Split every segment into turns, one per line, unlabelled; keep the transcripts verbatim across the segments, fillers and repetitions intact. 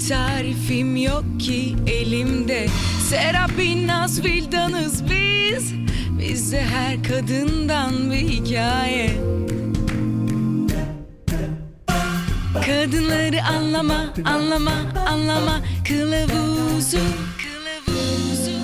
tarifim yok ki elimde. Serap Binnaz Vildanız biz. Bizde her kadından bir hikaye. Kadınları anlama, anlama, anlama kılavuzu, kılavuzu.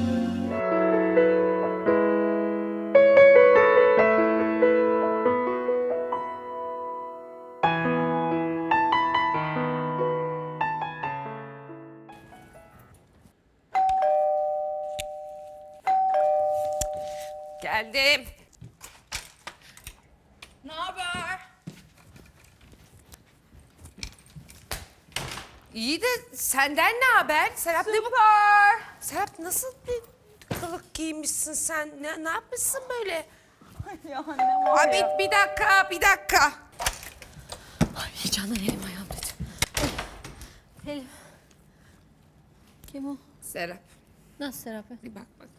Geldim.
Ne haber?
İyi de senden ne haber? Serap ne bu?
Süper.
Serap nasıl bir kılık giymişsin sen? Ne, ne yapmışsın böyle?
Ya ne var
Abi
ya?
bir dakika, bir dakika.
Ay heyecandan elim ayağım dedi. Elim. Kim o?
Serap,
Nasıl Serap?
bir bak bak.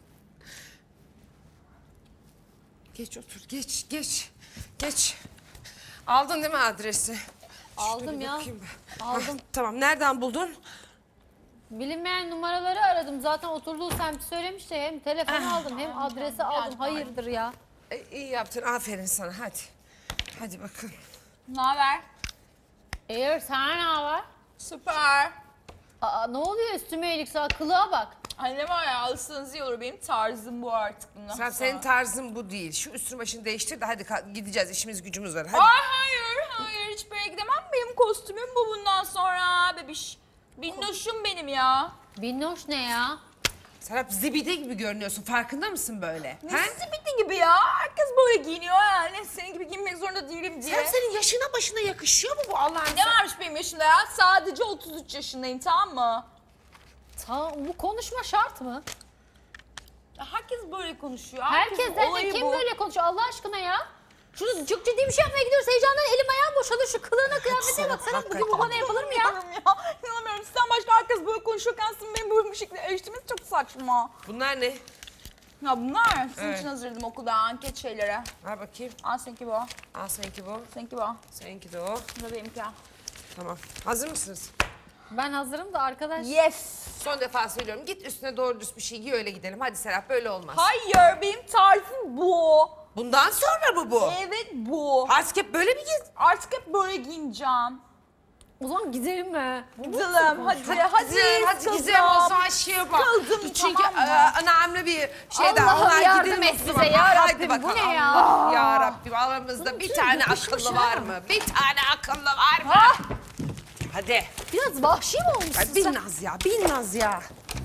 Geç otur, geç, geç, geç. Aldın değil mi adresi?
Aldım
Şöyle
ya.
bakayım ben.
Aldım.
Hah, tamam, nereden buldun?
Bilinmeyen numaraları aradım. Zaten oturduğu semti söylemişti. Hem telefonu aldım hem adresi aldım. Hayırdır ya?
E, iyi yaptın, aferin sana, hadi. Hadi bakın.
Ne haber?
Eğer sana ne var?
Süper.
Aa, ne oluyor üstüme iyilik sağ kılığa bak.
Ay ne var ya, alırsanız iyi olur, benim tarzım bu artık bundan
Sen,
sonra.
senin tarzın bu değil. Şu üstünü başını değiştir de hadi ka- gideceğiz, işimiz gücümüz var. Hadi.
Ay hayır, hayır hiçbir yere gidemem. Benim kostümüm bu bundan sonra bebiş. Binnoşum benim ya.
Binnoş ne ya?
Serap zibide gibi görünüyorsun. Farkında mısın böyle?
Ne
He?
bitti gibi ya. Herkes böyle giyiniyor yani. Senin gibi giyinmek zorunda değilim diye.
Serap senin yaşına başına yakışıyor mu bu Allah'ın?
Ne varmış benim yaşımda ya? Sadece otuz üç yaşındayım, tamam mı?
Ta, bu konuşma şart mı?
Ya herkes böyle konuşuyor.
Herkes
Herkesin
derken
olayı
kim
bu.
böyle konuşuyor Allah aşkına ya? Şunu çok ciddi bir şey yapmaya gidiyoruz. Heyecandan elim ayağım boşalır. Şu kılığına kıyafetine bak. Serap bugün bu bana yapılır mı ya?
İnanamıyorum ya. İnanamıyorum. Sizden başka herkes böyle konuşuyorken sizin benim böyle bir şekilde eleştirmeniz çok saçma.
Bunlar ne?
Ya bunlar sizin
Evet.
için hazırladım okulda anket şeylere.
Ver bakayım.
Al seninki bu.
Al seninki bu.
Seninki bu.
Seninki de o.
Bu da benimki.
Tamam. Hazır mısınız?
Ben hazırım da arkadaş.
Yes.
Son defa söylüyorum. Git üstüne doğru düz bir şey giy öyle gidelim. Hadi Serap böyle olmaz.
Hayır, benim tarzım bu.
Bundan sonra mı bu?
Evet bu.
Artık hep böyle mi giy?
Artık hep böyle giyineceğim.
O zaman gidelim mi?
Gidelim hadi hadi. Hadi,
Gizem, hadi
kızım.
Gizem o zaman şey yapalım.
Kızım,
Çünkü
tamam mı?
e, önemli bir şey daha.
Allah'ım
Onlar
yardım
gidelim
et
o
bize
zaman.
ya
Haydi
Rabbim, bu
bakalım.
ne ya?
Allah ya Rabbim aramızda bir
şöyle
tane
yapışmış
akıllı
ha.
var mı? Bir tane akıllı var mı?
Ah!
Hadi.
Biraz vahşi mi olmuşsun
Ay,
sen?
bin naz ya, bin naz ya.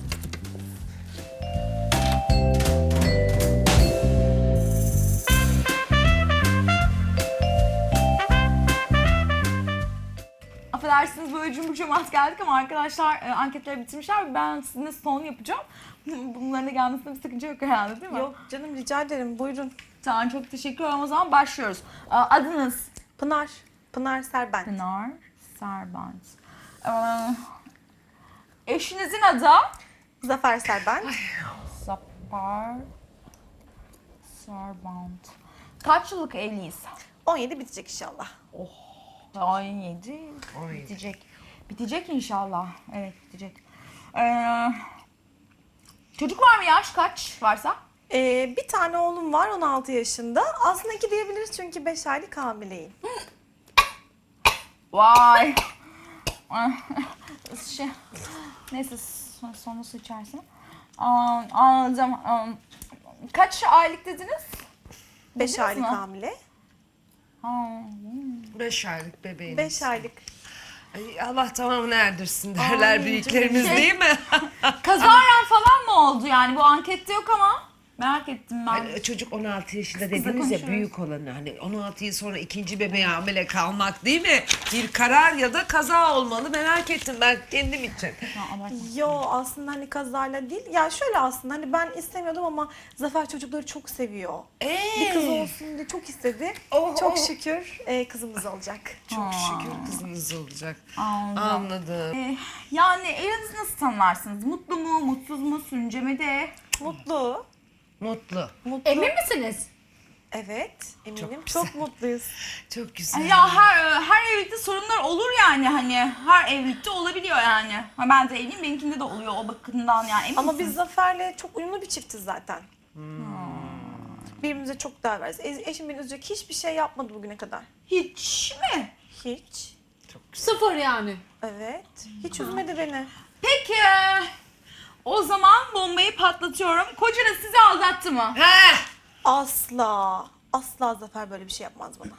Affedersiniz böyle cümbür cemaat geldik ama arkadaşlar e, anketleri bitirmişler. Ben sizinle son yapacağım. Bunların da gelmesinde bir sakınca yok herhalde değil mi?
Yok canım rica ederim buyurun.
Tamam çok teşekkür ederim. O zaman başlıyoruz. Aa, Adınız?
Pınar. Pınar Serbent.
Pınar Serbent. Ee, eşinizin adı?
Zafer Serbent.
Zafer Serbent. Kaç yıllık evliyiz?
on yedi bitecek inşallah.
on yedi. Bitecek. Bitecek inşallah. Evet bitecek. Ee, çocuk var mı, yaş kaç varsa?
Ee, bir tane oğlum var on altı yaşında. Aslında iki diyebiliriz çünkü beş aylık hamileyim.
Vay. şey, neyse sonra, sonra su içersin. Aa, anladım. Aa, kaç aylık dediniz?
beş
Duydunuz
aylık
mu?
hamile.
Ha,
Beş aylık bebeğiniz.
beş aylık.
Ay, Allah tamamını erdirsin derler
Amin
büyüklerimiz
canım.
değil mi?
kazaren falan mı oldu yani? Bu ankette yok ama. Merak ettim ben.
Hani çocuk on altı yaşında dediniz ya
konuşuyoruz.
büyük olanı hani on altı yıl sonra ikinci bebeğe hamile kalmak değil mi? Bir karar ya da kaza olmalı merak ettim ben kendim için.
Ha, abartma.
Yo aslında hani kazayla değil. Ya şöyle aslında hani ben istemiyordum ama Zafer çocukları çok seviyor.
Ee?
Bir kız olsun diye çok istedi.
Oh,
çok
oh.
şükür e, kızımız olacak.
Çok şükür kızınız olacak.
Anladım.
Anladım.
Ee, yani evinizi nasıl tanımlarsınız? Mutlu mu, mutsuz mu, sürüncemede?
Mutlu.
Mutlu.
Mutlu.
Emin misiniz?
Evet, eminim.
Çok
Çok,
güzel.
mutluyuz.
Çok güzel.
Ya her her evlilikte sorunlar olur yani hani her evlilikte olabiliyor yani. Ha, ben de evliyim benimkinde de oluyor o bakımdan yani emin
Ama
misin?
biz Zafer'le çok uyumlu bir çiftiz zaten. Birbirimize çok değer veririz. E- eşim beni üzecek hiçbir şey yapmadı bugüne kadar.
Hiç mi?
Hiç.
Sıfır yani.
Evet. Hiç üzmedi beni.
Peki o zaman bombayı patlatıyorum. Kocanız sizi aldattı mı?
Ha!
Asla. Asla Zafer böyle bir şey yapmaz bana.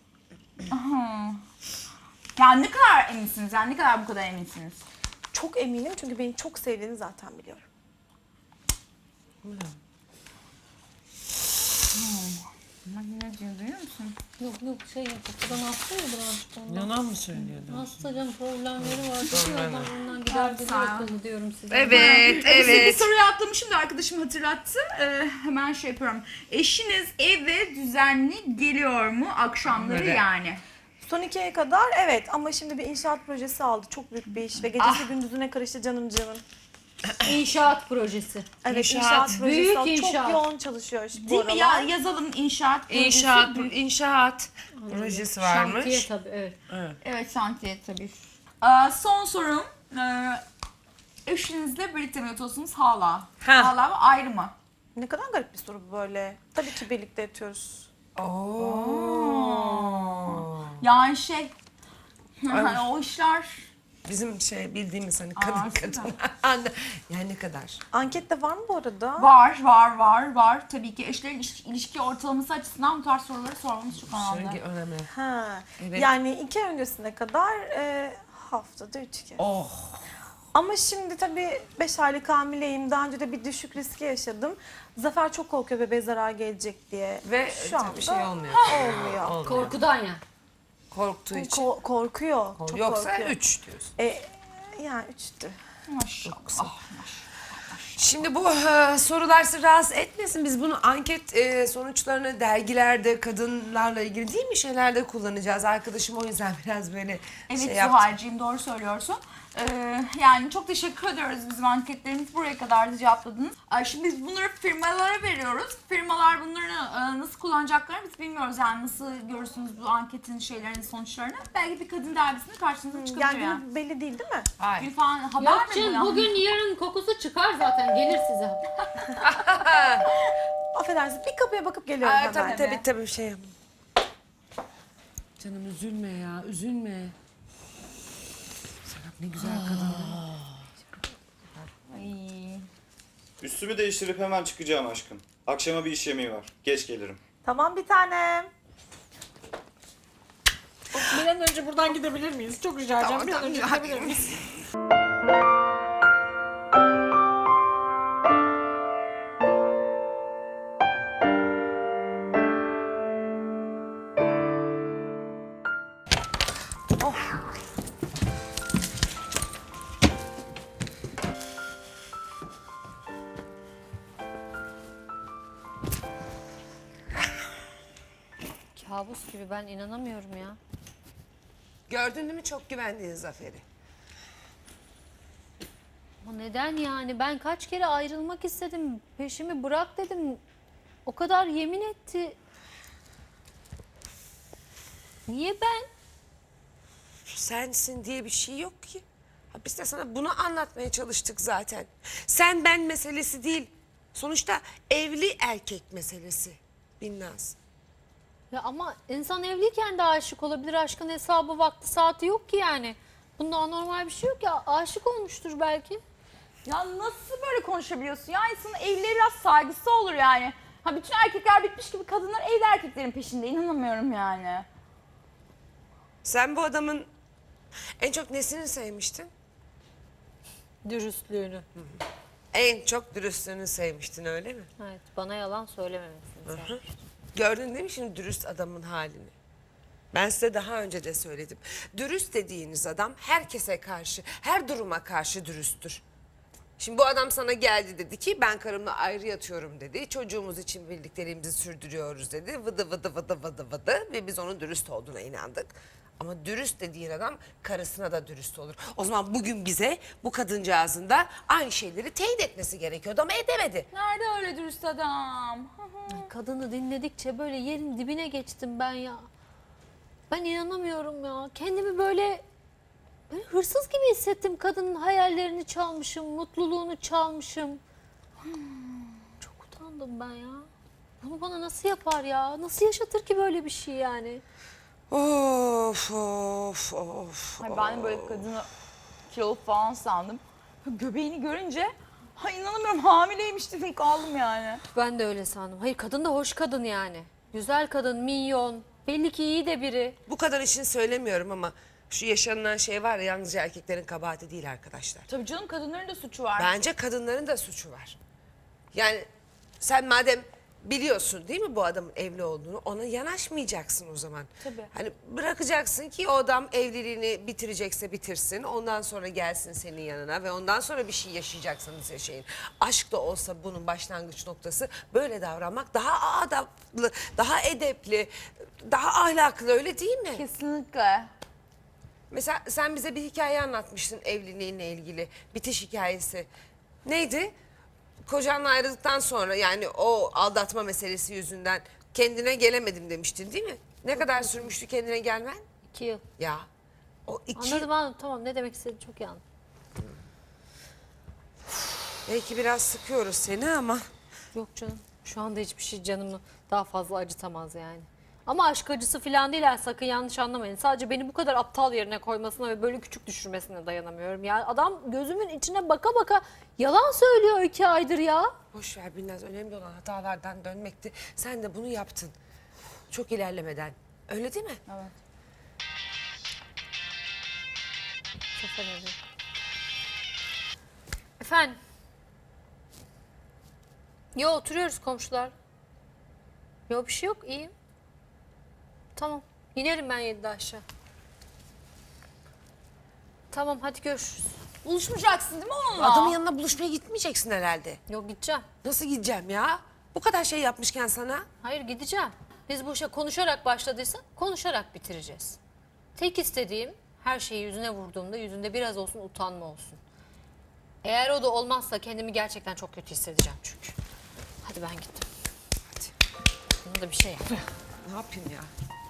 Yani ne kadar eminsiniz yani ne kadar bu kadar eminsiniz?
Çok eminim çünkü beni çok sevdiğini zaten biliyorum.
Bak ne diyor duyuyor musun?
Yok yok şey kapıdan hasta ya birazcık ondan.
Yalan mı söylüyordun?
Hasta canım problemleri var. Birazdan ondan gider gelir
sağ ol.
akıllı diyorum size.
Evet,
Bir
evet.
soruyu atlamışım da arkadaşım hatırlattı. Ee, hemen şey yapıyorum. Eşiniz eve düzenli geliyor mu akşamları
Evet.
yani?
Son iki aya kadar evet ama şimdi bir inşaat projesi aldı. Çok büyük bir iş ve gecesi
Ah.
gündüzüne karıştı canım canım.
İnşaat projesi.
Evet
İnşaat,
inşaat, projesi
büyük
aldı.
inşaat.
Çok yoğun çalışıyor bu
Değil mi ya?
aralar.
Yazalım inşaat projesi.
İnşaat,
Büyük-
inşaat projesi varmış.
Şantiye tabii evet.
Evet.
Evet şantiye tabii. Ee, son sorum. Ee, eşinizle birlikte mi yatıyorsunuz hala?
Ha.
Hala mı ayrı mı?
Ne kadar garip bir soru bu böyle. Tabii ki birlikte yatıyoruz.
Oo.
Yani şey. Hani o işler.
Bizim şey bildiğimiz hani
Aa,
kadın
süper.
kadın. Anne. Yani ne kadar?
Ankette var mı bu arada?
Var, var, var, var. Tabii ki eşlerin ilişki, ilişki ortalaması açısından bu tarz soruları sormamız çok önemli.
Şöyle önemli.
Ha.
Evet.
Yani iki ay öncesine kadar e, haftada üç kez.
Oh.
Ama şimdi tabii beş aylık hamileyim. Daha önce de bir düşük riski yaşadım. Zafer çok korkuyor bebeğe zarar gelecek diye.
Ve
şu
tabii
anda
bir şey olmuyor.
olmuyor.
Olmuyor.
Korkudan ya.
Korktuğu için.
Ko- korkuyor. Çok
Yoksa
korkuyor.
üç diyorsun.
E, yani üçtü.
Maşallah.
Şimdi bu e, sorular sizi rahatsız etmesin. Biz bunu anket e, sonuçlarını dergilerde kadınlarla ilgili değil mi şeylerde kullanacağız. Arkadaşım o yüzden biraz böyle
Evet
şey yaptı.
Zuhal'cığım doğru söylüyorsun. Ee, yani çok teşekkür ediyoruz bizim anketlerimiz buraya kadar da cevapladınız. Ay, şimdi biz bunları firmalara veriyoruz. Firmalar bunları e, nasıl kullanacaklarını biz bilmiyoruz yani nasıl görürsünüz bu anketin şeylerini sonuçlarını. Belki bir kadın dergisinde karşınıza çıkabilir
Yani
yani.
günü belli değil değil mi?
Hayır.
Bir falan haber
Yok
mi bu
canım
ya?
bugün yarın kokusu çıkar zaten gelir size.
Affedersin bir kapıya bakıp geliyorum
Aa,
hemen.
tabii tabii tabii şey yap. Canım üzülme ya üzülme. Serap ne güzel kadın.
Ay.
Üstümü değiştirip hemen çıkacağım aşkım. Akşama bir iş yemeği var. Geç gelirim.
Tamam bir tanem.
Bir an önce buradan gidebilir miyiz? Çok rica edeceğim.
Tamam,
Bir an önce
tamam.
gidebilir miyiz?
Kabus gibi ben inanamıyorum ya.
Gördün değil mi çok güvendiğin Zafer'i?
Ama neden yani? Ben kaç kere ayrılmak istedim. Peşimi bırak dedim. O kadar yemin etti. Niye ben?
Sensin diye bir şey yok ki. Ha, biz de sana bunu anlatmaya çalıştık zaten. Sen ben meselesi değil. Sonuçta evli erkek meselesi. Binnaz.
Ya ama insan evliyken de aşık olabilir. Aşkın hesabı vakti saati yok ki yani. Bunda anormal bir şey yok ya. Aşık olmuştur belki.
Ya nasıl böyle konuşabiliyorsun? Ya insanın evliliğe biraz saygısı olur yani. Ha bütün erkekler bitmiş gibi kadınlar evli erkeklerin peşinde. İnanamıyorum yani.
Sen bu adamın en çok nesini sevmiştin?
Dürüstlüğünü.
En çok dürüstlüğünü sevmiştin öyle mi?
Evet, bana yalan söylememesini sevmiştim.
Gördün değil mi şimdi dürüst adamın halini? Ben size daha önce de söyledim. Dürüst dediğiniz adam herkese karşı, her duruma karşı dürüsttür. Şimdi bu adam sana geldi dedi ki ben karımla ayrı yatıyorum dedi. Çocuğumuz için birlikteliğimizi sürdürüyoruz dedi. Vıdı vıdı vıdı vıdı vıdı ve biz onun dürüst olduğuna inandık. Ama dürüst dediğin adam karısına da dürüst olur. O zaman bugün bize bu kadıncağızın da aynı şeyleri teyit etmesi gerekiyordu ama edemedi.
Nerede öyle dürüst adam?
Kadını dinledikçe böyle yerin dibine geçtim ben ya. Ben inanamıyorum ya. Kendimi böyle, böyle hırsız gibi hissettim. Kadının hayallerini çalmışım, mutluluğunu çalmışım. Çok utandım ben ya. Bunu bana nasıl yapar ya? Nasıl yaşatır ki böyle bir şey yani?
Of of of.
Ay ben böyle kadını kilolu falan sandım. Göbeğini görünce ha inanamıyorum hamileymiş dedim kaldım yani.
Ben de öyle sandım. Hayır, kadın da hoş kadın yani. Güzel kadın, minyon. Belli ki iyi de biri.
Bu kadar için söylemiyorum ama şu yaşanılan şey var ya, yalnızca erkeklerin kabahati değil arkadaşlar.
Tabii canım kadınların da suçu var.
Bence kadınların da suçu var. Yani sen madem biliyorsun değil mi bu adamın evli olduğunu, ona yanaşmayacaksın o zaman.
Tabii.
Hani bırakacaksın ki o adam evliliğini bitirecekse bitirsin. Ondan sonra gelsin senin yanına ve ondan sonra bir şey yaşayacaksanız yaşayın. Aşk da olsa bunun başlangıç noktası böyle davranmak daha adaplı, daha edepli, daha ahlaklı, öyle değil mi?
Kesinlikle.
Mesela sen bize bir hikaye anlatmıştın evliliğinle ilgili. Bitiş hikayesi. Neydi? Kocanla ayrıldıktan sonra, yani o aldatma meselesi yüzünden kendine gelemedim demiştin değil mi? Ne kadar sürmüştü kendine gelmen?
İki yıl.
Ya o iki
Anladım anladım, tamam, ne demek istediğini çok iyi anladım.
belki biraz sıkıyoruz seni ama
Yok canım. Şu anda hiçbir şey canımı daha fazla acıtamaz yani. Ama aşk acısı falan değil yani, sakın yanlış anlamayın. Sadece beni bu kadar aptal yerine koymasına ve böyle küçük düşürmesine dayanamıyorum. Yani adam gözümün içine baka baka yalan söylüyor iki aydır ya.
boş ver Binnaz, önemli olan hatalardan dönmekti. Sen de bunu yaptın. Çok ilerlemeden. Öyle değil mi?
Evet.
Çok önemli. Efendim? Yo, oturuyoruz komşular. Yo, bir şey yok, iyiyim. Tamam, inerim ben yedide aşağı. Tamam, hadi görüşürüz.
Buluşmayacaksın değil mi onunla?
Adamın yanına buluşmaya gitmeyeceksin herhalde.
Yok, gideceğim.
Nasıl gideceğim ya? Bu kadar şey yapmışken sana.
Hayır, gideceğim. Biz bu işe konuşarak başladıysa konuşarak bitireceğiz. Tek istediğim, her şeyi yüzüne vurduğumda yüzünde biraz olsun utanma olsun. Eğer o da olmazsa kendimi gerçekten çok kötü hissedeceğim çünkü. Hadi ben gittim.
Hadi.
Bunu da bir şey yap.
Ne yapayım ya?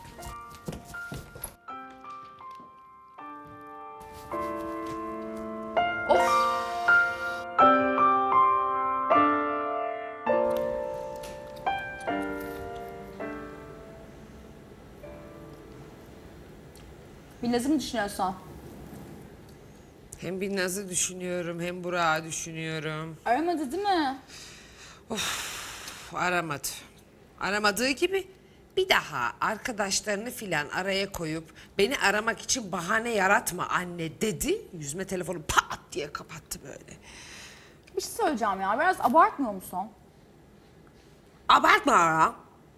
Binnaz'ı mı düşünüyorsun?
Hem Binnaz'ı düşünüyorum hem Burak'ı düşünüyorum.
Aramadı değil mi?
Uf, aramadı. Aramadığı gibi bir daha arkadaşlarını filan araya koyup beni aramak için bahane yaratma anne dedi. Yüzüme telefonu pat diye kapattı böyle.
Bir şey söyleyeceğim ya biraz abartmıyor musun?
Abartma ara.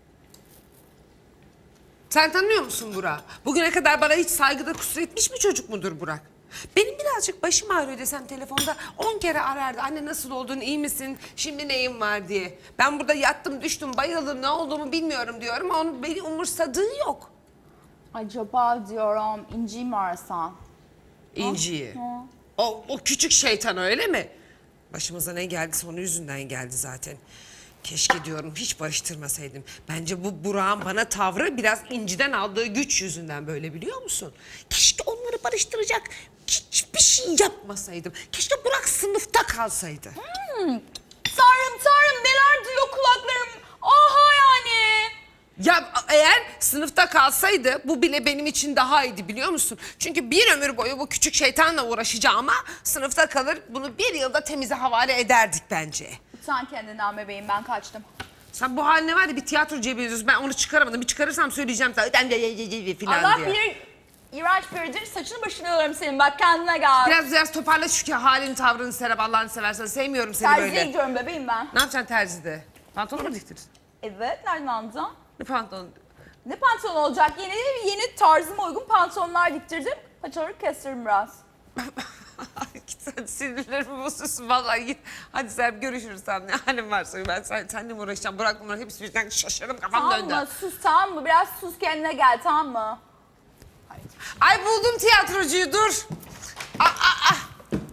Sen tanıyor musun Burak? Bugüne kadar bana hiç saygıda kusur etmiş bir çocuk mudur Burak? Benim birazcık başım ağrıyor desem telefonda on kere arardı. Anne nasıl oldun, iyi misin, şimdi neyin var diye. Ben burada yattım, düştüm, bayıldım, ne olduğumu bilmiyorum diyorum. Onun beni umursadığı yok.
Acaba diyorum İnci'yi mi arasan?
İnci'yi. O, o küçük şeytan öyle mi? Başımıza ne geldiyse onun yüzünden geldi zaten. Keşke diyorum hiç barıştırmasaydım. Bence bu Burak'ın bana tavrı biraz İnci'den aldığı güç yüzünden böyle, biliyor musun? Keşke onları barıştıracak hiçbir şey yapmasaydım. Keşke Burak sınıfta kalsaydı.
Tanrım tanrım neler duyuyor kulaklarım. Aha yani.
Ya eğer sınıfta kalsaydı bu bile benim için daha iyiydi, biliyor musun? Çünkü bir ömür boyu bu küçük şeytanla uğraşacağıma sınıfta kalır bunu bir yılda temize havale ederdik bence.
Sen kendinden bebeğim ben kaçtım.
Sen bu haline var ya bir tiyatro cebiyorsun. Ben onu çıkaramadım. Bir çıkarırsam söyleyeceğim sana. Filan
Allah
diye.
bilir iğrenç biridir saçını başını yolarım senin bak kendine gel.
Biraz biraz toparla şu halini, tavrını Serap, Allah'ını seversen. Sevmiyorum seni
Terziye
böyle.
gidiyorum bebeğim ben.
Ne yapacaksın terzide? Pantolon mu diktirirsin?
Evet nereden anladın?
Ne pantolon?
Ne pantolon olacak? Yeni yeni tarzıma uygun pantolonlar diktirdim. Paçaları kestiririm biraz.
Git sen sinirlerimi bozuyorsun vallahi, git. Hadi Serap görüşürüz sen, ne halin varsa. Ben sen, seninle mi uğraşacağım? Bırak bunları hepsi birden, şaşırdım, kafam
Tamam
döndü.
mı? Sus tamam mı? Biraz sus kendine gel tamam mı? Haydi.
Ay buldum tiyatrocuyu, dur. Aa, aa, aa.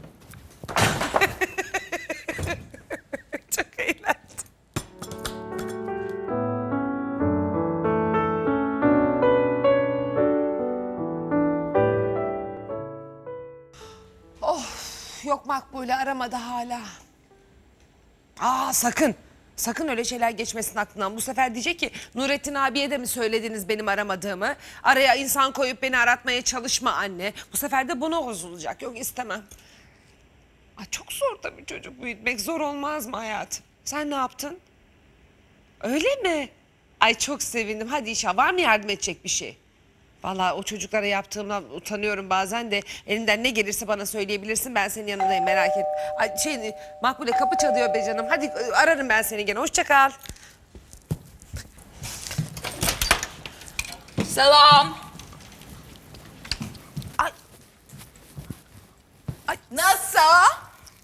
Çok eğlendim. Of, yok Makbule aramadı hala. Aa sakın. Sakın öyle şeyler geçmesin aklından. Bu sefer diyecek ki Nurettin abiye de mi söylediniz benim aramadığımı? Araya insan koyup beni aratmaya çalışma anne. Bu sefer de buna bozulacak. Yok istemem. Ay, çok zor tabii çocuk büyütmek. Zor olmaz mı hayatım? Sen ne yaptın? Öyle mi? Ay çok sevindim. Hadi inşallah var mı yardım edecek bir şey? Vallahi o çocuklara yaptığımdan utanıyorum bazen de. Elinden ne gelirse bana söyleyebilirsin. Ben senin yanındayım, merak et. Ay şey Makbule kapı çalıyor be canım. Hadi ararım ben seni gene. Hoşça kal.
Selam.
Ay. Ay
Nasıl?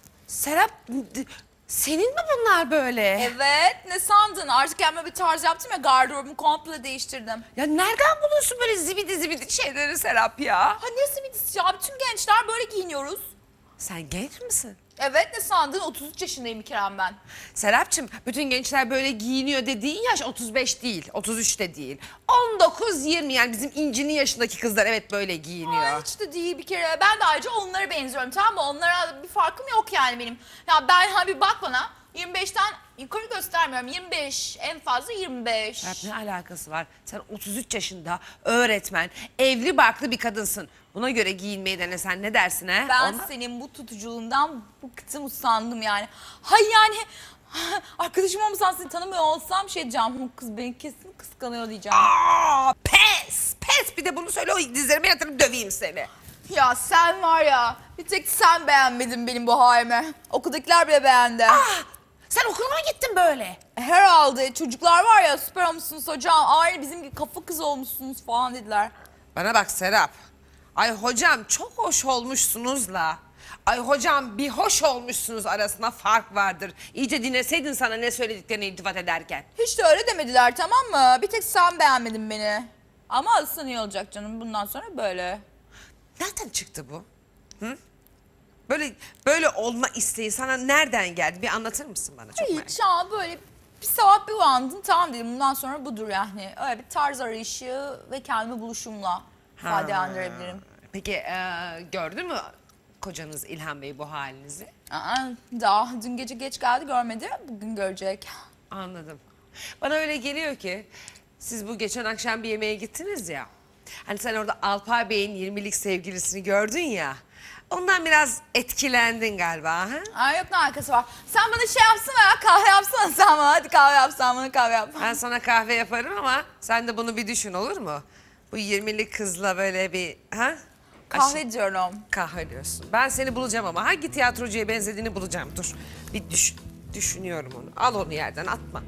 Serap d- senin mi bunlar böyle?
Evet, ne sandın? Artık kendime bir tarz yaptım ya, gardırobumu komple değiştirdim.
Ya nereden buluyorsun böyle zibidi zibidi şeyleri Serap ya?
Ha ne simidisi ya? Bütün gençler böyle giyiniyoruz.
Sen genç misin?
Evet, ne sandın? otuz üç yaşındayım bir kere ben.
Serapcığım bütün gençler böyle giyiniyor dediğin yaş otuz beş değil, otuz üç de değil. on dokuz yirmi yani bizim İnci'nin yaşındaki kızlar evet böyle giyiniyor.
Ay, hiç de değil bir kere. Ben de ayrıca onlara benziyorum, tamam mı? Onlara bir farkım yok yani benim. Ya ben ha bir bak bana, yirmi beşten yukarı göstermiyorum. yirmi beş, en fazla yirmi beş.
Serap ne alakası var? Sen otuz üç yaşında öğretmen, evli barklı bir kadınsın. Buna göre giyinmeyi denesen ne dersin he?
Ben
Ona-
senin bu tutuculuğundan bıktım, usandım yani. Hay yani arkadaşım olmasan, seni tanımıyor olsam şey diyeceğim. "Bu kız beni kesin kıskanıyor" diyeceğim.
Aa, pes, pes bir de bunu söyle o dizlerime yatırıp döveyim seni.
Ya sen var ya, bir tek sen beğenmedin benim bu halimi. Okuldakiler bile beğendi.
Ah, sen okula mı gittin böyle?
Herhalde çocuklar var ya, süper olmuşsunuz hocam, aynı bizim gibi kafa kız olmuşsunuz falan dediler.
Bana bak Serap. Ay hocam çok hoş olmuşsunuzla. Ay hocam bir hoş olmuşsunuz arasında fark vardır. İyice dinleseydin sana ne söylediklerini iltifat ederken.
Hiç de öyle demediler, tamam mı? Bir tek sen beğenmedin beni. Ama alsan iyi olacak canım, bundan sonra böyle.
Nereden çıktı bu? Hı? Böyle böyle olma isteği sana nereden geldi? Bir anlatır mısın bana? Çok merak
Hiç ya, böyle bir sabah bir uyandın, tamam dedim bundan sonra budur yani. Öyle bir tarz arayışı ve kendimi buluşumla ifadelendirebilirim.
Peki e, gördün mü kocanız İlhan Bey bu halinizi?
Aa, daha dün gece geç geldi, görmedi, bugün görecek.
Anladım. Bana öyle geliyor ki siz bu geçen akşam bir yemeğe gittiniz ya. Hani sen orada Alpay Bey'in yirmilik sevgilisini gördün ya. Ondan biraz etkilendin galiba ha?
Ay yok, ne alakası var? Sen bana şey yapsana ya, kahve yapsana sen bana. Hadi kahve yapsan bana, kahve yap.
Ben sana kahve yaparım ama sen de bunu bir düşün olur mu? Bu yirmilik kızla böyle bir ha?
Kahve diyorum.
Kahve diyorsun. Ben seni bulacağım ama hangi tiyatrocuya benzediğini bulacağım. Dur bir düş, düşünüyorum onu. Al onu yerden atma.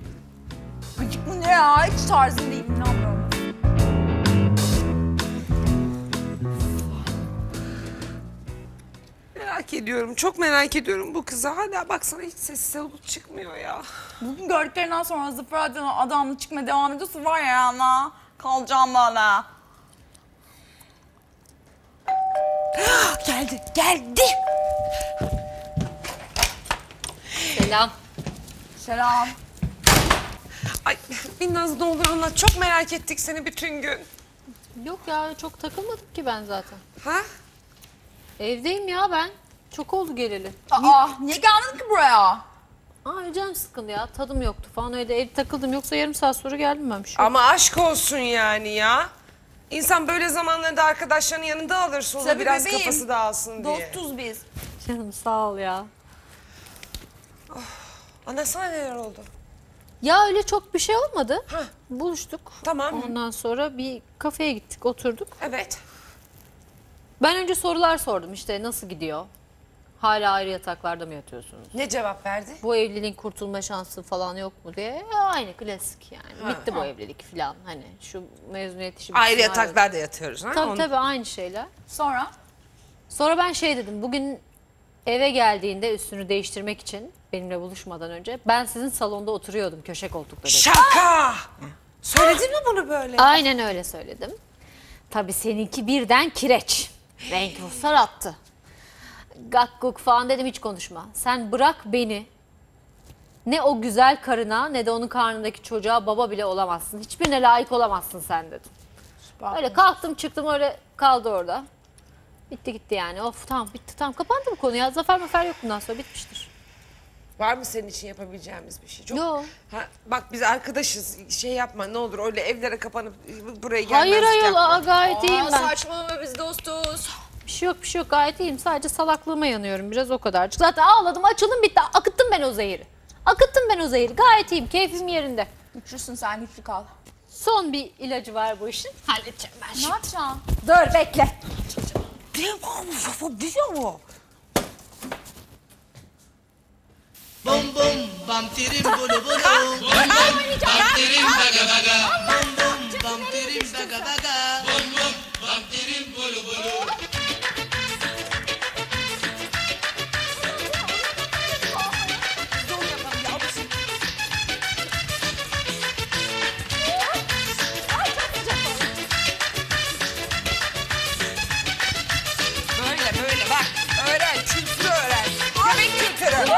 Gıcık mı ne ya? Hiç tarzım değil, inanmıyorum.
Merak ediyorum, çok merak ediyorum bu kızı. Hala baksana hiç sesi soluk çıkmıyor ya.
Bugün gördüklerinden sonra Zafer adamla, adamla çıkmaya devam ediyorsa var ya ana, kalacağım bana.
Geldi, geldi.
Selam.
Selam.
Ay Binnaz ne olur anlat. Çok merak ettik seni bütün gün.
Yok ya, çok takılmadım ki ben zaten.
Ha?
Evdeyim ya ben. Çok oldu geleli.
Aa, niye gelmedin ki buraya?
Aa, canım sıkıldı ya. Tadım yoktu falan, öyle evde takıldım. Yoksa yarım saat sonra geldim ben. Bir şey yok.
Ama aşk olsun yani ya. İnsan böyle zamanlarda arkadaşlarının yanında alır solu
Tabii
biraz
bebeğim.
kafası dağılsın diye.
Dostuz biz.
Canım sağ ol ya.
Anlatsana neler oldu.
Ya öyle çok bir şey olmadı.
Hah.
Buluştuk.
Tamam.
Ondan sonra bir kafeye gittik, oturduk.
Evet.
Ben önce sorular sordum, işte nasıl gidiyor? Hala ayrı yataklarda mı yatıyorsunuz?
Ne cevap verdi?
Bu evliliğin kurtulma şansı falan yok mu diye. Ya aynı klasik yani. Bitti bu evlilik falan. Hani şu mezuniyet işi.
Ayrı
bitsin,
yataklarda yatıyoruz. Ha?
Tabii
Onu-
tabii, aynı şeyler.
Sonra?
Sonra ben şey dedim, bugün eve geldiğinde üstünü değiştirmek için benimle buluşmadan önce ben sizin salonda oturuyordum, köşe koltukta dedim.
Şaka! Söyledin mi bunu böyle?
Aynen öyle söyledim. Tabii seninki birden kireç. Renk ruhsar attı. Gakkuk falan dedim hiç konuşma. Sen bırak beni. Ne o güzel karına ne de onun karnındaki çocuğa baba bile olamazsın. Hiçbirine layık olamazsın sen dedim. Öyle kalktım çıktım öyle kaldı orada. Bitti gitti yani. Of tamam bitti tamam kapandı bu konu ya. Zafer mafer yok bundan sonra bitmiştir.
Var mı senin için yapabileceğimiz bir şey? Çok...
Yok.
Ha, bak biz arkadaşız. Şey yapma ne olur öyle evlere kapanıp buraya gelmezlik
Hayır ayol
yapma.
aa, gayet iyiyim ben.
Saçmalama biz dostuz.
Bir şey yok bir şey yok gayet iyiyim. Sadece salaklığıma yanıyorum biraz o kadarcık. Zaten ağladım açıldım bitti. Akıttım ben o zehiri. Akıttım ben o zehiri. Gayet iyiyim keyfim yerinde.
Güçlüsün sen güçlü kal.
Son bir ilacı var bu işin. Halledeceğim ben
Ne
şimdi.
yapacaksın?
Dur bekle.
Bum bum bam tirim bulu bulu. Bum bum bam tirim baga baga. Bum bum bam tirim baga baga. Bum bum bam tirim bulu bulu.
Böyle böyle bak. Öğren kültürü öğren. Yemek kültürü.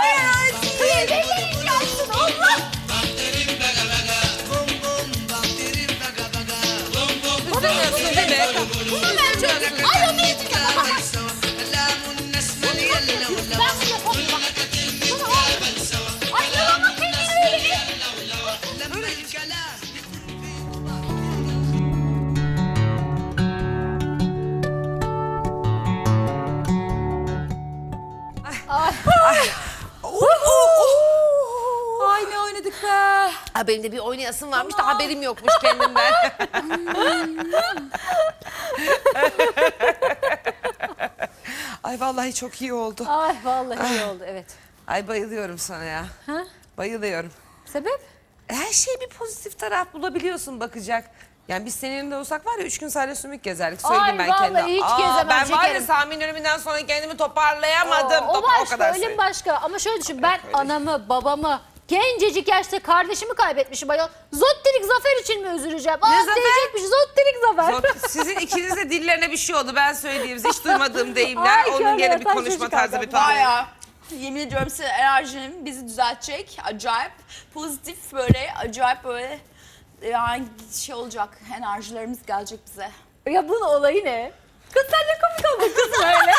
Bam tirim baga baga. Bum bum bam tirim baga baga. Bum bum
Üzülmüyorsun değil mi?
Ay onu Lamun nesmel yella wala. لما الكلام
Ay ne oynadık be.
Ha, benim de bir oynayasım varmış da haberim yokmuş kendimden. Ay vallahi çok iyi oldu.
Ay vallahi iyi oldu evet.
Ay bayılıyorum sana ya.
Ha?
Bayılıyorum.
Sebep?
Her şeye bir pozitif taraf bulabiliyorsun bakacak. Yani biz senin yanında olsak var ya üç gün sadece sümük gezerdik. Söyleyeyim
Ay,
ben
vallahi
kendime.
hiç
Aa,
gezemem,
Ben var ya
şekerim.
Sami'nin ölümünden sonra kendimi toparlayamadım.
o
Top-
başka,
kadar
ölüm
söyleyeyim.
başka. Ama şöyle düşün, ben anamı, babamı, gencecik yaşta kardeşimi kaybetmişim ayol. Zottirik Zafer için mi üzüleceğim? Aa,
Zafer?
diyecekmiş Zottirik Zafer.
Zor- Sizin ikiniz de dillerine bir şey oldu. Ben söyleyeyim. Hiç duymadığım deyimler.
Ay,
Onun
körler,
gene bir
taş
konuşma
çocuk
tarzı
adam.
bir tuhaf.
Baya. Yemin ediyorum size enerjim bizi düzeltecek. Acayip pozitif böyle acayip böyle yani şey olacak. Enerjilerimiz gelecek bize.
Ya bunun olayı ne? Kız sen ne komik oldun kız böyle.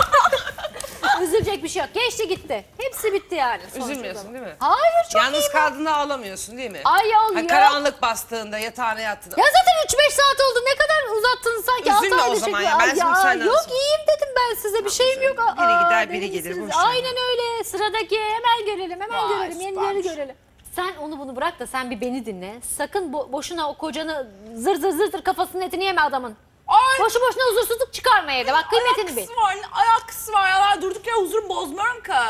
Üzülecek bir şey yok. Geçti gitti. Hepsi bitti yani. sonuçta.
Üzülmüyorsun değil mi?
Hayır çok
Yalnız
iyiyim.
kaldığında ağlamıyorsun değil mi?
Ay yol
Ha,
ya.
karanlık bastığında yatağına yattığında.
Ya zaten üç beş saat oldu. Ne kadar uzattınız sanki.
Üzülme
altı
o
ayda
zaman
çekiyor.
ya. Ben
Ay
şimdi senden
Yok
sonra-
iyiyim dedim ben size. Bir şeyim yok.
Biri
Aa,
gider, biri
deli
gelir,
misiniz?
boş ver.
Aynen öyle. Sıradaki hemen görelim. Hemen
Vay,
görelim. Yenileri
süpermiş.
görelim. Sen onu bunu bırak da sen bir beni dinle. Sakın bo- boşuna o kocanı zır zır zır zır kafasının etini yeme adamın.
Ay
Boşu boşuna huzursuzluk çıkarma evde. Bak kıymetini bil.
alakası var, ne alakası var ya ben durduk yere huzurumu bozmuyorum ki.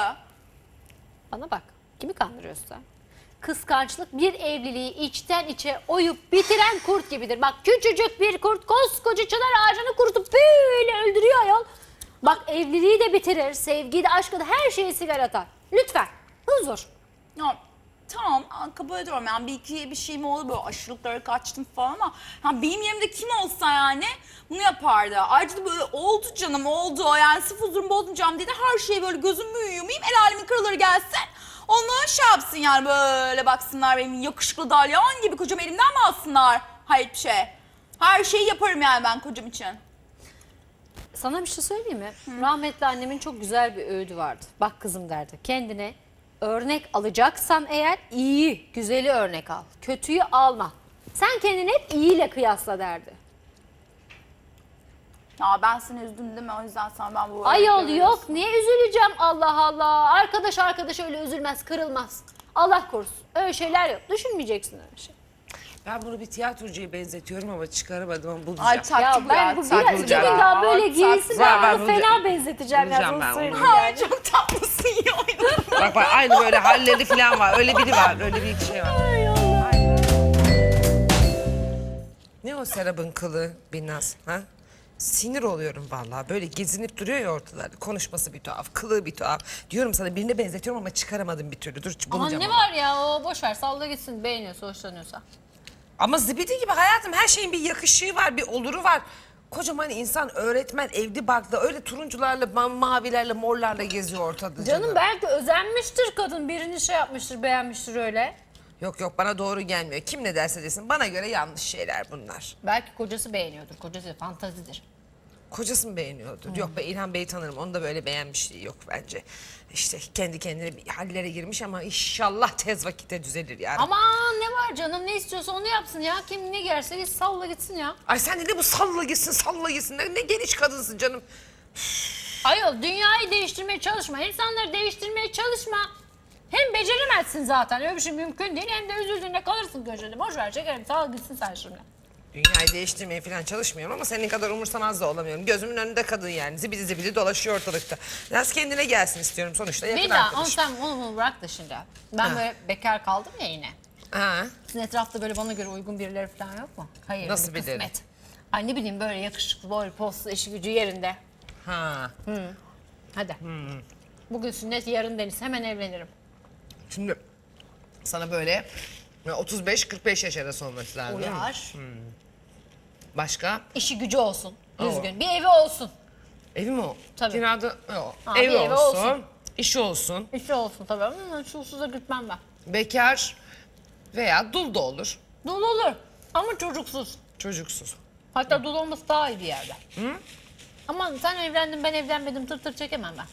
Bana bak. Kimi kandırıyorsun sen? Kıskançlık bir evliliği içten içe oyup bitiren kurt gibidir. Bak küçücük bir kurt koskoca çınar ağacını kurutup böyle öldürüyor ayol. Bak evliliği de bitirir, sevgiyi de aşkı da her şeyi siler atar. Lütfen huzur.
Ya tamam kabul ediyorum yani bir iki bir şeyim oldu böyle aşırılıklara kaçtım falan ama yani benim yerimde kim olsa yani bunu yapardı. Ayrıca da böyle oldu canım oldu yani sırf huzurumu bozmayacağım diye de her şeyi böyle gözümü yumayım el alemin karaları gelsin. Ondan şey yapsın yani böyle baksınlar benim yakışıklı dalyan gibi kocam elimden mi alsınlar? Hayır bir şey. Her şeyi yaparım yani ben kocam için.
Sana bir şey söyleyeyim mi? Rahmetli annemin çok güzel bir öğüdü vardı. Bak kızım derdi. Kendine örnek alacaksan eğer iyi, güzeli örnek al. Kötüyü alma. Sen kendini hep iyiyle kıyasla derdi.
Ya ben seni üzdüm değil mi? O yüzden sana ben bu
Ayol
örnekleri
yok niye üzüleceğim Allah Allah. Arkadaş arkadaş öyle üzülmez kırılmaz. Allah korusun öyle şeyler yok. Düşünmeyeceksin öyle şey.
Ben bunu bir tiyatrocuya benzetiyorum ama çıkaramadım ama bulacağım.
Ay taktı
Ya
bu
ben
ya.
bu
taktı
biraz
bu
iki
bulacağım.
gün
ya.
daha böyle
Taktı.
giysin
Var, var,
ben bunu
bulacağım.
fena benzeteceğim ya.
Bulacağım ben
Sana
onu.
söyleyeyim
Ay
yani.
çok tatlısın iyi oynadın.
Bak bak aynı böyle halleri falan var. Öyle biri var. Öyle bir şey var.
Ay Allah.
Ne o Serap'ın kılı Binnaz? Ha? Sinir oluyorum vallahi. Böyle gezinip duruyor ya ortalarda. Konuşması bir tuhaf, kılığı bir tuhaf. Diyorum sana birine benzetiyorum ama çıkaramadım bir türlü. Dur
Aman
bulacağım
ne
onu.
var ya o boş ver salla gitsin beğeniyorsa hoşlanıyorsa.
Ama zibidi gibi hayatım her şeyin bir yakışığı var, bir oluru var. Kocaman insan, öğretmen, evli barklı öyle turuncularla, ma- mavilerle, morlarla geziyor ortada.
Canım belki özenmiştir kadın. Birini şey yapmıştır, beğenmiştir öyle.
Yok yok, bana doğru gelmiyor. Kim ne derse desin, bana göre yanlış şeyler bunlar.
Belki kocası beğeniyordur. Kocası fantazidir.
Kocası mı beğeniyordu? Yok be, İlhan Bey'i tanırım. Onu da böyle beğenmişliği yok bence. İşte kendi kendine bir hallere girmiş ama inşallah tez vakitte düzelir yani.
Aman ne var canım, ne istiyorsa onu yapsın ya. Kim ne gerse git salla gitsin ya.
Ay sen de ne bu salla gitsin, salla gitsin. Ne, ne geniş kadınsın canım.
Ayol dünyayı değiştirmeye çalışma. İnsanları değiştirmeye çalışma. Hem beceremezsin zaten. Öyle bir şey mümkün değil. Hem de üzüldüğünde kalırsın köşede. Boş ver çekerim. Sal gitsin sen şimdi.
Dünyayı değiştirmeye falan çalışmıyorum ama senin kadar umursamaz da olamıyorum. Gözümün önünde kadın yani. Zibidi zibidi dolaşıyor ortalıkta. Biraz kendine gelsin istiyorum sonuçta. Yakın
Bir daha onu
arkadaşım.
sen onu, bunu bırak da şimdi. Ben
Ha.
böyle bekar kaldım ya yine.
Ha.
Sizin etrafta böyle bana göre uygun birileri falan yok mu? Hayır.
Nasıl
bir
birileri?
kısmet. Ay ne bileyim böyle yakışıklı, boylu, poslu, işi gücü yerinde.
Ha.
Hadi. Bugün sünnet, yarın deniz. Hemen evlenirim.
Şimdi sana böyle otuz beş kırk beş yaş arası olması lazım. değil mi?
Uyar.
Başka?
İşi gücü olsun.
Oo.
Düzgün. Bir evi olsun.
Evi mi o?
Tabii.
Kirada yok.
Ha,
Evi
bir evi
olsun.
olsun.
İşi olsun.
İşi olsun tabii. Ama çulsuza gitmem ben.
Bekar veya dul da olur.
Dul olur. Ama çocuksuz.
Çocuksuz.
Hatta dul olması daha iyi bir yerde. Hı? Aman sen evlendin ben evlenmedim tır tır çekemem ben.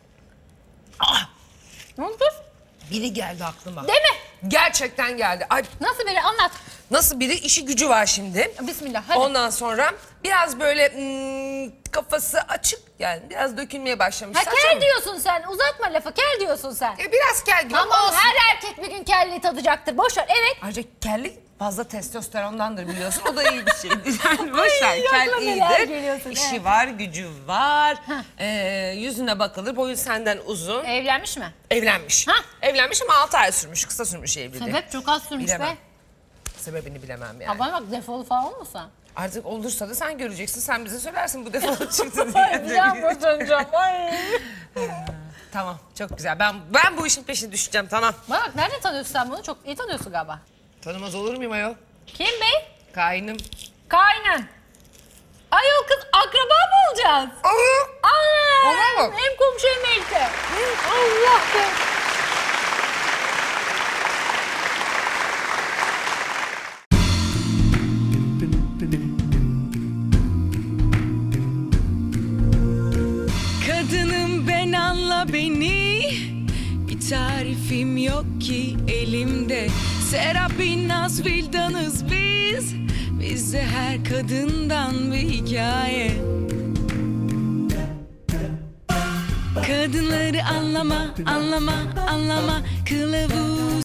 Ah!
Ne oldu kız?
Biri geldi aklıma.
Deme.
Gerçekten geldi. Ay,
Nasıl biri anlat.
nasıl biri? İşi gücü var şimdi.
Bismillah hadi.
Ondan sonra biraz böyle hmm, kafası açık yani biraz dökülmeye başlamış.
Ha
Saçma
kel
mı?
diyorsun sen. Uzatma lafı. Kel diyorsun sen.
E, biraz kel gibi
Tamam
olsun.
her erkek bir gün kelliği tadacaktır. Boş ver. Evet.
Ayrıca kellik fazla testosterondandır biliyorsun. O da iyi bir şeydir. Yani boş ver. Kel
aklıma neler
iyidir.
geliyorsun,
İşi
evet.
var, gücü var. Ee, yüzüne bakılır. Boyu senden uzun.
Evlenmiş mi?
Evlenmiş.
Ha.
Evlenmiş ama altı ay sürmüş. Kısa sürmüş evliliği.
Sebep çok az sürmüş
Bilemem.
be.
Sebebini bilemem yani.
Ha bana bak defolu falan olmasa.
Artık olursa da sen göreceksin. Sen bize söylersin bu defolu çıktı diye.
Ay bir an boşanacağım. Ay.
Tamam, çok güzel. Ben ben bu işin peşine düşeceğim, tamam.
Bana bak nereden tanıyorsun sen bunu? Çok iyi tanıyorsun galiba.
Tanımaz olur muyum ayol?
Kim bey?
Kaynım.
Kaynan. Ayol kız akraba mı olacağız?
Aa!
Aa,
Olur mu?
hem komşu hem elti. Allah be.
Kadınım ben anla beni, bir tarifim yok ki elimde. Serap'in naz vildanız biz, bizde her kadından bir hikaye. Kadınları anlama, anlama, anlama, kılavuz